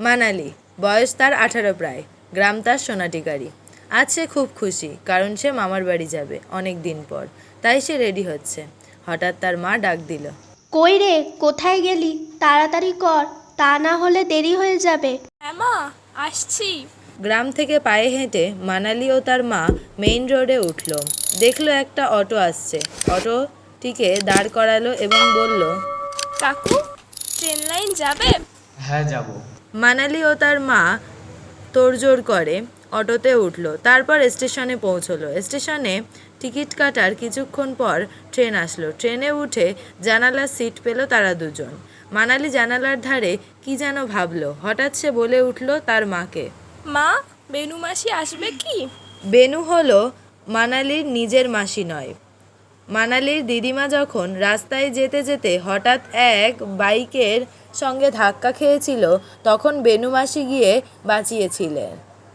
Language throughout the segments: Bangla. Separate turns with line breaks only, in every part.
মানালি, বয়স তার 18 প্রায়, গ্রাম তার সোনাটিকারি। আজ সে খুব খুশি, কারণ সে মামার বাড়ি যাবে অনেক দিন পর। তাই সে রেডি হচ্ছে। হঠাৎ তার মা ডাক দিল।
কই রে, কোথায় গেলি? তাড়াতাড়ি কর, তা না হলে দেরি হয়ে যাবে।
হ্যাঁ মা, আসছি।
গ্রাম থেকে পায়ে হেঁটে মানালি ও তার মা মেইন রোডে উঠল। দেখলো একটা অটো আসছে। অটোটিকে দাঁড় করালো এবং বলল,
কাকু, ট্রেন লাইন যাবে?
হ্যাঁ যাব।
মানালি ও তার মা তোড়জোড় করে অটোতে উঠল। তারপর স্টেশনে পৌঁছলো। স্টেশনে টিকিট কাটার কিছুক্ষণ পর ট্রেন আসলো। ট্রেনে উঠে জানালার সিট পেল তারা দুজন। মানালি জানালার ধারে কি যেন ভাবলো। হঠাৎ সে বলে উঠল তার মাকে,
মা, বেনু মাসি আসবে কি?
বেনু হলো মানালির নিজের মাসি নয়। মানালির দিদিমা যখন রাস্তায় যেতে যেতে হঠাৎ এক বাইকের সঙ্গে ধাক্কা খেয়েছিল, তখন বেনু মাসি গিয়ে বাঁচিয়েছিলেন।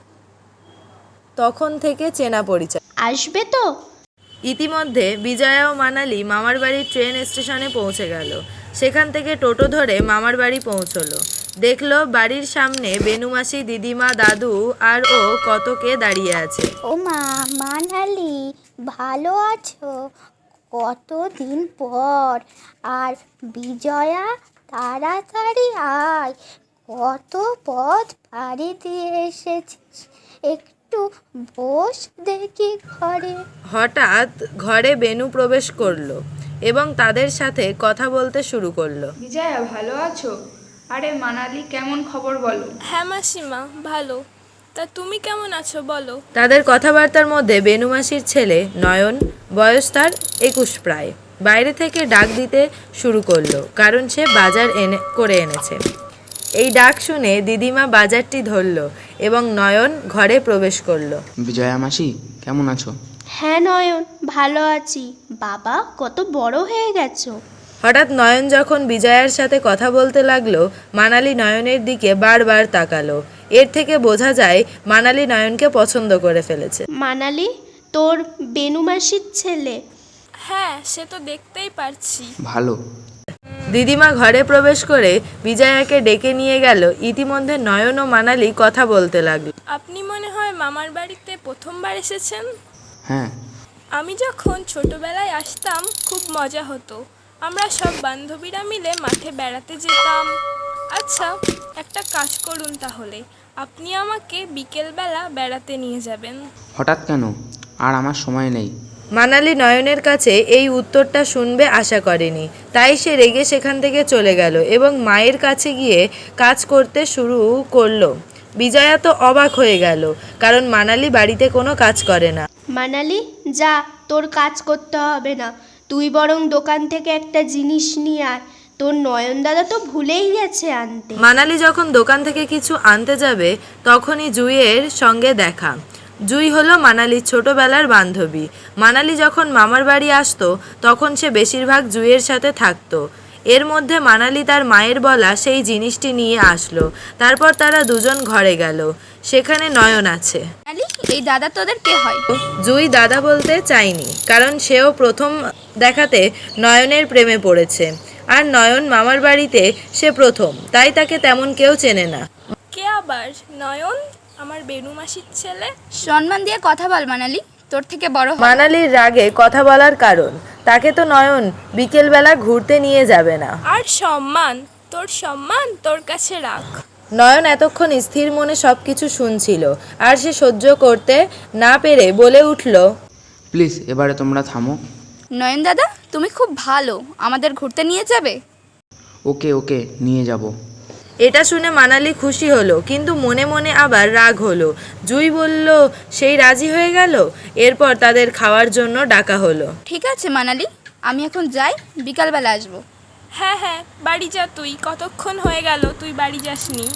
তখন থেকে চেনা পরিচয়।
আসবে তো?
ইতিমধ্যে বিজয়া ও মানালি মামার বাড়ির ট্রেন স্টেশনে পৌঁছে গেল। সেখান থেকে টোটো ধরে মামার বাড়ি পৌঁছলো। দেখলো বাড়ির সামনে বেনুমাসি, দিদিমা, দাদু আর ও কতকে দাঁড়িয়ে আছে।
ও মা, মানালি, ভালো আছো? কতদিন পর। আর বিজয়া, তাড়াতাড়ি আয়, কত পথ পাড়ি দিয়ে এসেছিস, একটু বস দেখি ঘরে।
হঠাৎ ঘরে বেনু প্রবেশ করলো এবং তাদের সাথে কথা বলতে শুরু করলো।
বিজয়া, ভালো আছো? আরে মানালি, কেমন খবর বলো?
হ্যাঁ মাসিমা, ভালো। তা তুমি কেমন আছো বলো?
তাদের কথাবার্তার মধ্যে বেনু মাসির ছেলে নয়ন, বয়স তার 21 প্রায়, বাইরে থেকে ডাক দিতে শুরু করলো, কারণ সে বাজার করে এনেছে। এই ডাক শুনে দিদিমা বাজারটি ধরল এবং নয়ন ঘরে প্রবেশ করলো।
বিজয়া মাসি, কেমন আছো?
হ্যাঁ নয়ন, ভালো আছি। বাবা, কত বড় হয়ে গেছো।
হঠাৎ নয়ন যখন বিজয়ার সাথে কথা বলতে লাগলো, মানালি নয়নের দিকে বারবার তাকালো। এর থেকে বোঝা যায় মানালি নয়নকে পছন্দ করে ফেলেছে।
মানালি, তোর বেনু মাসির ছেলে।
হ্যাঁ, সে তো দেখতেই পারছি।
ভালো।
দিদিমা ঘরে প্রবেশ করে বিজয়াকে ডেকে নিয়ে গেল। ইতিমধ্যে নয়ন ও মানালি কথা বলতে লাগলো।
আপনি মনে হয় মামার বাড়িতে প্রথমবার এসেছেন?
হ্যাঁ।
আমি যখন ছোটবেলায় আসতাম খুব মজা হতো। আমরা সব বান্ধবীরা মিলে মাঠে বেড়াতে যেতাম। আচ্ছা, একটা কাজ করুন তাহলে, আপনি আমাকে বিকেলবেলা বেড়াতে নিয়ে যাবেন।
হঠাৎ কেন? আর আমার সময় নেই।
মানালি নয়নের কাছে এই উত্তরটা শুনবে আশা করেনি। তাই সে রেগে সেখান থেকে চলে গেল এবং মায়ের কাছে গিয়ে কাজ করতে শুরু করলো। বিজয়া তো অবাক হয়ে গেল, কারণ মানালি বাড়িতে কোনো কাজ করে না।
মানালি, যা, তোর কাজ করতে হবে না। তুই বরং দোকান থেকে একটা জিনিস নিয়ে আয়। তোর নয়ন দাদা তো ভুলেই গেছে আনতে।
মানালি যখন দোকান থেকে কিছু আনতে যাবে, তখনই জুইয়ের সঙ্গে দেখা। জুই হলো মানালির ছোটবেলার বান্ধবী। মানালি যখন মামার বাড়ি আসতো, তখন সে বেশিরভাগ জুইয়ের সাথে থাকতো। এর মধ্যে মানালি তার মায়ের বলা সেই জিনিসটি নিয়ে আসলো। তারপর তারা দুজন ঘরে গেল। সেখানে নয়ন আছে।
এই দাদা তোদের কে হয়?
জুই দাদা বলতে চায়নি, কারণ সেও প্রথম দেখাতে নয়নের প্রেমে পড়েছে। আর নয়ন মামার বাড়িতে সে প্রথম, তাই তাকে তেমন কেউ চেনে না।
কে আবার? নয়ন, আমার বেনু মাসির ছেলে।
সম্মান দিয়ে কথা বল মানালি, তোর থেকে বড় হয়।
মানালির রাগে কথা বলার কারণ, তাকে তো নয়ন বিকেলবেলা ঘুরতে নিয়ে যাবে না।
আর সম্মান? তোর সম্মান তোর কাছে রাখ।
নয়ন এতক্ষণ স্থির মনে সব কিছু শুনছিল, আর সে সহ্য করতে না পেরে বলে উঠল,
প্লিজ এবারে তোমরা থামো।
নয়ন দাদা, তুমি খুব ভালো, আমাদের ঘুরতে নিয়ে যাবে?
ওকে ওকে, নিয়ে যাব।
এটা শুনে মানালি খুশি হলো, কিন্তু মনে মনে আবার রাগ হলো। জুই বলল সেই রাজি হয়ে গেল। এরপর তাদের খাওয়ার জন্য ডাকা হলো।
ঠিক আছে মানালি, আমি এখন যাই, বিকালবেলা আসবো।
হ্যাঁ হ্যাঁ, বাড়ি যা তুই। কতক্ষণ হয়ে গেল তুই বাড়ি যাসনি।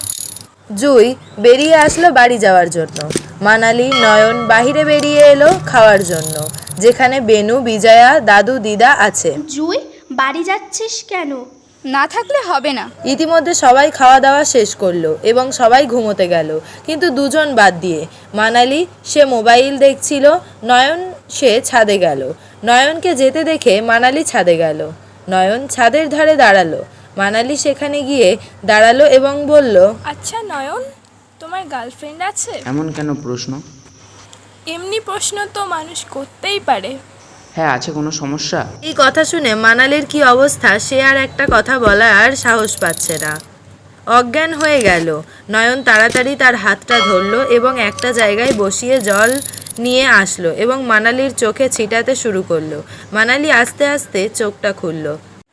জুই বেরিয়ে আসলো বাড়ি যাওয়ার জন্য। মানালি, নয়ন বাহিরে বেরিয়ে এলো খাওয়ার জন্য, যেখানে বেনু, বিজয়া, দাদু, দিদা আছে।
জুই, বাড়ি যাচ্ছিস কেন?
না থাকলে হবে না।
ইতিমধ্যে সবাই খাওয়া দাওয়া শেষ করলো এবং সবাই ঘুমোতে গেল, কিন্তু দুজন বাদ দিয়ে। মানালি, সে মোবাইল দেখছিল। নয়ন, সে ছাদে গেল। নয়নকে যেতে দেখে মানালি ছাদে গেল। নয়ন ছাদের ধারে দাঁড়ালো। মানালি সেখানে গিয়ে দাঁড়ালো এবং বলল,
আচ্ছা নয়ন, তোমার গার্লফ্রেন্ড আছে?
এমন কেন প্রশ্ন?
এমনি প্রশ্ন তো মানুষ করতেই পারে।
হ্যাঁ, আছে, কোনো সমস্যা?
এই কথা শুনে মানালির কি অবস্থা, সে আর একটা কথা বলার সাহস পাচ্ছে না। অজ্ঞান হয়ে গেল। নয়ন তাড়াতাড়ি তার হাতটা ধরল এবং একটা জায়গায় বসিয়ে জল নিয়ে আসলো এবং মানালির চোখে ছিটাতে শুরু করলো। মানালি আস্তে আস্তে চোখটা খুলল।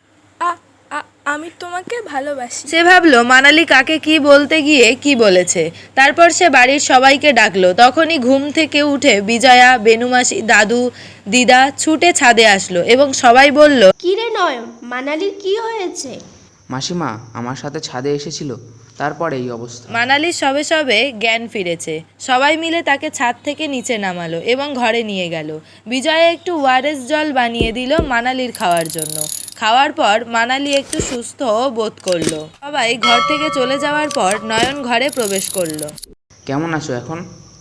আমি তোমাকে ভালোবাসি।
সে ভাবলো মানালি কাকে কি বলতে গিয়ে কি বলেছে। তারপর সে বাড়ির সবাইকে ডাকলো। তখনই ঘুম থেকে উঠে বিজয়া, বেনুমাসি, দাদু, দিদা ছুটে ছাদে আসলো এবং সবাই বলল,
কি রে নয়ন, মানালির কি হয়েছে?
মাসিমা আমার সাথে ছাদে এসেছিল, তারপরে এই অবস্থা।
মানালির সবে সবে জ্ঞান ফিরেছে। সবাই মিলে তাকে ছাদ থেকে নিচে নামালো এবং ঘরে নিয়ে গেল। বিজয়া একটু ওআরএস জল বানিয়ে দিল মানালির খাওয়ার জন্য। খাওয়ার পর মানালি একটু সুস্থ বোধ করলো। সবাই ঘর থেকে চলে যাওয়ার পর নয়ন ঘরে প্রবেশ করলো।
কেমন আছো এখন?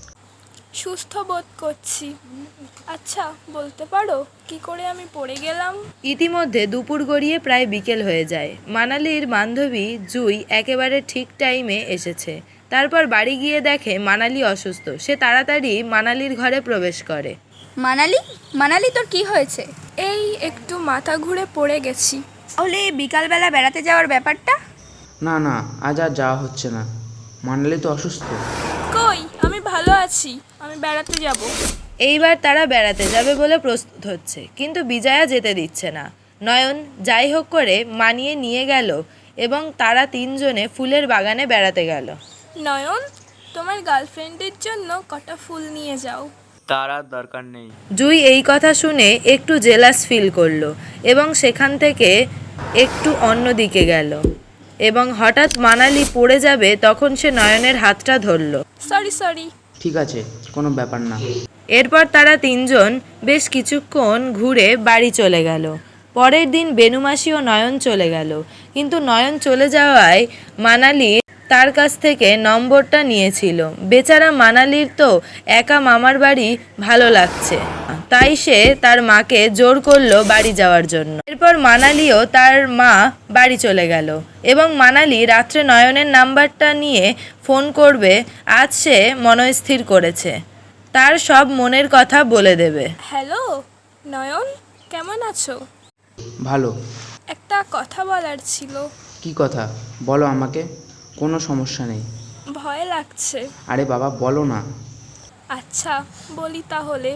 সুস্থ বোধ করছি। আচ্ছা বলতে পারো কি করে আমি পড়ে গেলাম?
ইতিমধ্যে দুপুর গড়িয়ে প্রায় বিকেল হয়ে যায়। মানালির বান্ধবী জুই একেবারে ঠিক টাইমে এসেছে। তারপর বাড়ি গিয়ে দেখে মানালি অসুস্থ। সে তাড়াতাড়ি মানালির ঘরে প্রবেশ করে।
মানালি, মানালি তোর কি হয়েছে?
এই একটু মাথা ঘুরে পড়ে গেছি।
তাহলে বিকালবেলা বেড়াতে যাওয়ার ব্যাপারটা?
না না, আজ আর যাওয়া হচ্ছে না, মানালি তো অসুস্থ।
কই, আমি ভালো আছি, আমি বেড়াতে যাব।
এইবার তারা বেড়াতে যাবে বলে প্রস্তুত হচ্ছে, কিন্তু বিজয়া যেতে দিচ্ছে না। নয়ন যাই হোক করে মানিয়ে নিয়ে গেল এবং তারা তিনজনে ফুলের বাগানে বেড়াতে গেল।
নয়ন, তোমার গার্লফ্রেন্ডের জন্য কটা ফুল নিয়ে যাও।
তার আর দরকার নেই।
জুই এই কথা শুনে একটু জেলাস ফিল করলো এবং সেখান থেকে একটু অন্যদিকে গেল এবং হঠাৎ মানালি পড়ে যাবে তখন সে নয়নের হাতটা ধরলো।
সরি।
ঠিক আছে, কোনো ব্যাপার না।
এরপর তারা তিনজন বেশ কিছুক্ষণ ঘুরে বাড়ি চলে গেল। পরের দিন বেনুমাসি ও নয়ন চলে গেল, কিন্তু নয়ন চলে যাওয়ায় মানালি তার কাছ থেকে নম্বরটা নিয়েছিল। বেচারা মানালির তো একা মামার বাড়ি ভালো লাগছে, তাই সে তার মাকে জোর করলো বাড়ি যাওয়ার জন্য। এরপর মানালিও তার মা বাড়ি চলে গেল এবং মানালি রাত্রে নয়নের নাম্বারটা নিয়ে ফোন করবে আজ সে মনস্থির করেছে। তার সব মনের কথা বলে দেবে।
হ্যালো নয়ন, কেমন আছো?
ভালো।
একটা কথা বলার ছিল।
কি কথা? বলো আমাকে, কোনো সমস্যা নেই।
ভয় লাগছে।
আরে বাবা, বলো না।
আচ্ছা বলি তাহলে,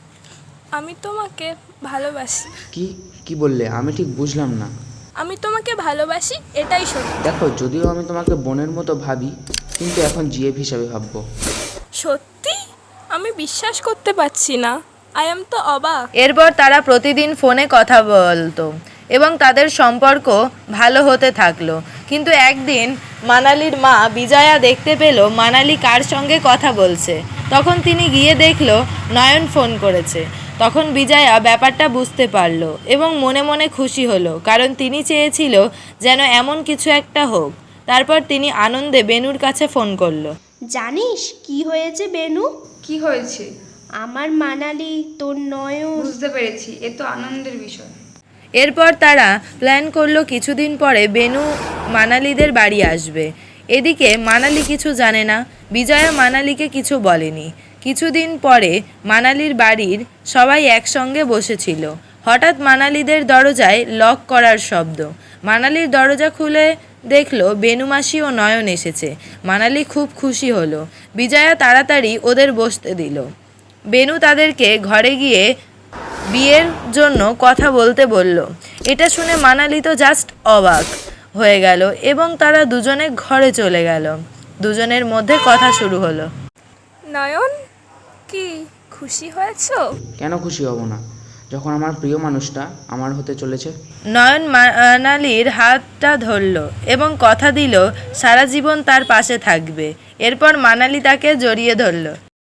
আমি তোমাকে ভালোবাসি।
কি কি বললে? আমি ঠিক বুঝলাম না।
আমি তোমাকে ভালোবাসি, এটাই সত্যি।
দেখো, যদিও আমি তোমাকে বোনের মতো ভাবি, কিন্তু এখন জিএফ হিসাবে ভাববো।
সত্যি? আমি বিশ্বাস করতে পারছি না। আই এম তো অবাক।
এরপর তারা প্রতিদিন ফোনে কথা বলতো এবং তাদের সম্পর্ক ভালো হতে থাকলো। কিন্তু একদিন মানালির মা বিজয়া দেখতে পেল মানালি কার সঙ্গে কথা বলছে। তখন তিনি গিয়ে দেখলো নয়ন ফোন করেছে। তখন বিজয়া ব্যাপারটা বুঝতে পারলো এবং মনে মনে খুশি হলো, কারণ তিনি চেয়েছিল যেন এমন কিছু একটা হোক। তারপর তিনি আনন্দে বেনুর কাছে ফোন করলো।
জানিস কি হয়েছে বেনু?
কি হয়েছে?
আমার মানালি, তোর নয়ন।
বুঝতে পেরেছি, এ তো আনন্দের বিষয়।
এরপর তারা প্ল্যান করলো কিছুদিন পরে বেনু মানালিদের বাড়ি আসবে। এদিকে মানালি কিছু জানে না, বিজয়া মানালিকে কিছু বলেনি। কিছুদিন পরে মানালির বাড়ির সবাই একসঙ্গে বসেছিল। হঠাৎ মানালিদের দরজায় লক করার শব্দ। মানালির দরজা খুলে দেখলো বেনুমাসি ও নয়ন এসেছে। মানালি খুব খুশি হলো। বিজয়া তাড়াতাড়ি ওদের বসতে দিল। বেনু তাদেরকে ঘরে গিয়ে বিয়ের জন্য কথা বলতে বলল। এটা শুনে মানালি তো জাস্ট অবাক হয়ে গেল এবং তারা দুজনে ঘরে চলে গেল। দুজনের মধ্যে কথা শুরু হলো।
নয়ন, কি খুশি হয়েছো?
কেন খুশি হব না, যখন আমার প্রিয় মানুষটা আমার হতে চলেছে।
নয়ন মানালির হাতটা ধরল এবং কথা দিল সারা জীবন তার পাশে থাকবে। এরপর মানালি তাকে জড়িয়ে ধরল।